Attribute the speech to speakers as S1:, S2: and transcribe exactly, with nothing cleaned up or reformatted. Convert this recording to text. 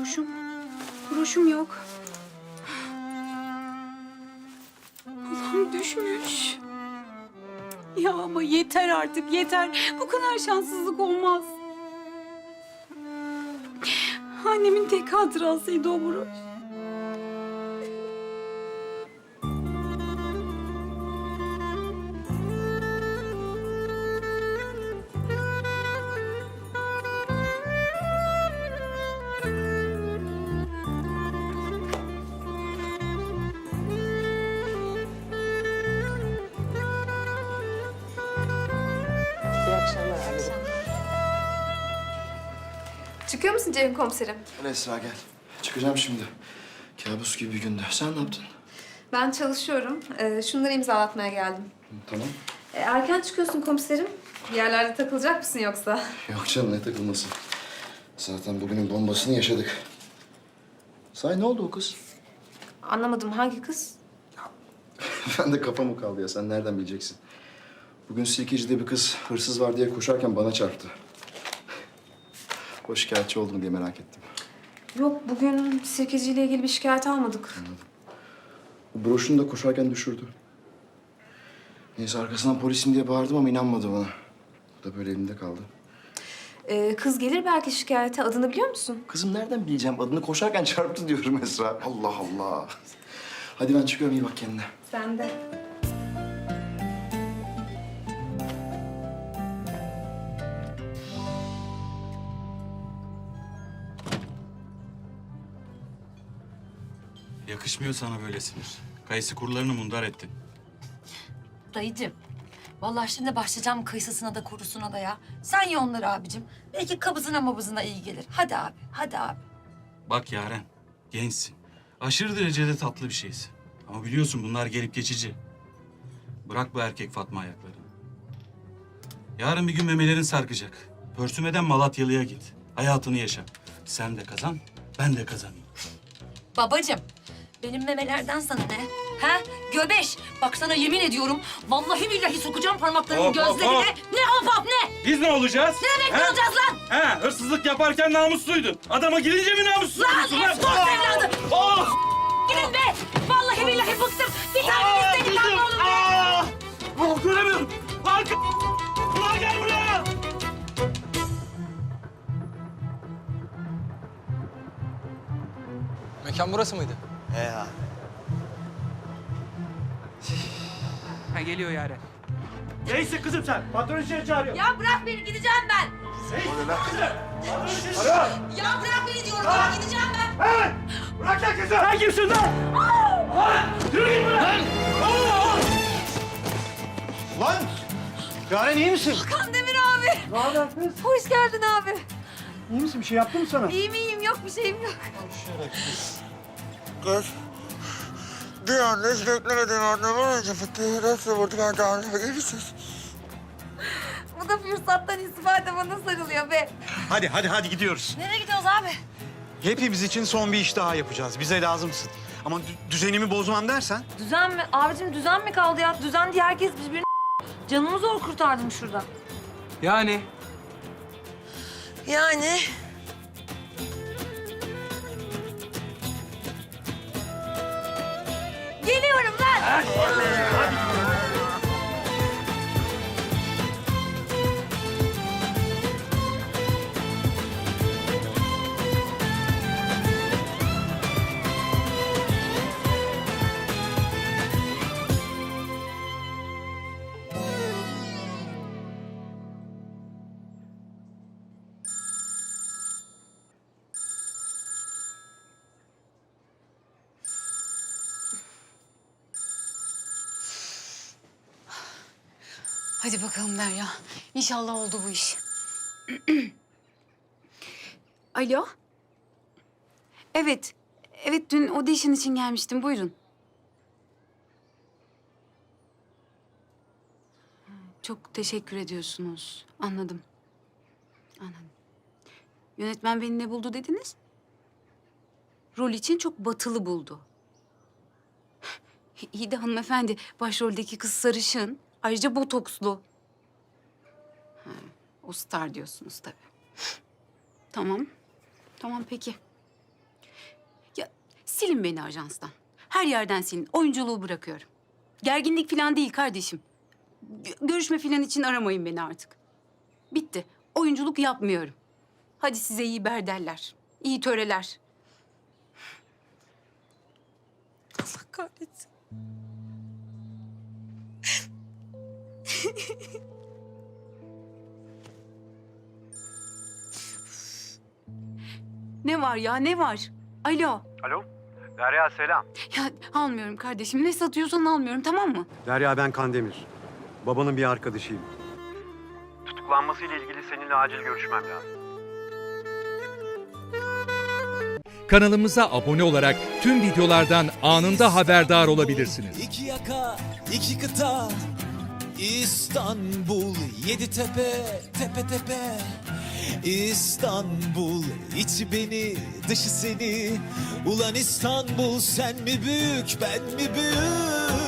S1: broşum. Broşum yok. Allah'ım düşmüş. Ya ama yeter artık yeter. Bu kadar şanssızlık olmaz. Annemin tek hatırasıydı o broş.
S2: İyi akşamlar amirim.
S3: Çıkıyor musun Cem komiserim?
S4: Gel Esra gel. Çıkacağım şimdi. Kabus gibi bir gündü. Sen ne yaptın?
S3: Ben çalışıyorum. Ee, şunları imzalatmaya geldim.
S4: Hı, tamam.
S3: Ee, erken çıkıyorsun komiserim. Bir yerlerde takılacak mısın yoksa?
S4: Yok canım ne takılması. Zaten bugünün bombasını yaşadık. Sahi ne oldu o kız?
S3: Anlamadım, hangi kız?
S4: Ben de kafam kaldı ya. Sen nereden bileceksin? Bugün Sirkeci'de bir kız hırsız var diye koşarken bana çarptı. O şikayetçi oldu mu diye merak ettim.
S3: Yok, bugün sirkeciyle ilgili bir şikayet almadık.
S4: O broşunu da koşarken düşürdü. Neyse arkasından polisim diye bağırdım ama inanmadı bana. Bu da böyle elimde kaldı.
S3: Ee, kız gelir belki şikayete. Adını biliyor musun?
S4: Kızım nereden bileceğim? Adını koşarken çarptı diyorum Esra. Allah Allah. Hadi ben çıkıyorum, iyi bak kendine.
S3: Sen de.
S5: Yakışmıyor sana böyle sinir. Kayısı kurularını mundar ettin.
S6: Dayıcığım, vallahi şimdi başlayacağım kıyısısına da kurusuna da ya. Sen ye onları abicim. Belki kabızına mabızına iyi gelir. Hadi abi, hadi abi.
S5: Bak Yaren, gençsin. Aşırı derecede tatlı bir şeysin. Ama biliyorsun bunlar gelip geçici. Bırak bu erkek Fatma ayaklarını. Yarın bir gün memelerin sarkacak. Pörsümeden Malatyalı'ya git. Hayatını yaşa. Sen de kazan, ben de kazanayım.
S6: Babacığım, benim memelerden sana ne? Ha? Göbeş. Bak sana yemin ediyorum, vallahi billahi sokacağım parmaklarımı
S5: Hop, hop,
S6: gözlerine.
S5: hop.
S6: Ne hop hop ne?
S5: Biz ne olacağız?
S6: Ne demek ne olacağız lan?
S5: He, hırsızlık yaparken namusluydun. Adama gidince mi namussuz
S6: Lan
S5: oluyorsun lan?
S6: escort evladı!
S5: Oh!
S6: Gidin be! Vallahi billahi bıktım. Bir tane istedim ben ne olur be!
S5: Aa! Oh, göremiyorum. Arka... Ulan gel buraya!
S7: Mekan burası mıydı?
S4: He abi.
S7: Ha geliyor yani.
S5: Neyse kızım sen. Patron içeri çağırıyor.
S6: Ya bırak beni gideceğim ben. Ya bırak beni diyorum ya gideceğim ben.
S5: Bırak lan kızı! Sen kimsin lan? Lan! Yürü git buradan!
S8: Lan! Yaren iyi misin?
S6: Kandemir abi.
S8: Ne haber kız?
S6: Hoş geldin abi.
S8: İyi misin? Bir şey yaptı mı sana?
S6: İyiyim iyiyim yok bir şeyim yok.
S9: Kız, bir anda hiç beklemediğim anlamı önce fıtığı nasıl vurdu ben de anlamayabilirsiniz.
S6: Bu da fırsattan istifade bana sarılıyor be.
S8: Hadi hadi hadi gidiyoruz.
S6: Nereye gidiyoruz abi?
S8: Hepimiz için son bir iş daha yapacağız. Bize lazımsın. Ama dü- düzenimi bozmam dersen
S6: Düzen mi? Abicim düzen mi kaldı ya? Düzen diye herkes birbirini canımı zor kurtardım şurada.
S7: Yani
S9: Yani?
S6: Geliyorum lan.
S1: Hadi bakalım Derya. İnşallah oldu bu iş. Alo. Evet. Evet dün audition için gelmiştim. Buyurun. Çok teşekkür ediyorsunuz. Anladım. Anladım. Yönetmen beni ne buldu dediniz? Rol için çok batılı buldu. İyi de hanımefendi, başroldeki kız sarışın. Ayrıca botokslu. Ha, o star diyorsunuz tabii. Tamam. Tamam peki. Silin beni ajanstan. Her yerden silin. Oyunculuğu bırakıyorum. Gerginlik falan değil kardeşim. G- Görüşme falan için aramayın beni artık. Bitti. Oyunculuk yapmıyorum. Hadi size iyi berderler. İyi töreler.
S6: Allah kahretsin.
S1: Ne var ya ne var? Alo.
S8: Alo. Derya selam.
S1: Ya almıyorum kardeşim. Ne satıyorsan almıyorum, tamam mı?
S8: Derya ben Kandemir. Babanın bir arkadaşıyım. Tutuklanmasıyla ilgili seninle acil görüşmem lazım.
S10: Kanalımıza abone olarak tüm videolardan anında haberdar olabilirsiniz.
S11: İki yaka, iki kıta, İstanbul, yedi tepe, tepe tepe. İstanbul, içi beni, dışı seni. Ulan İstanbul, sen mi büyük, ben mi büyük?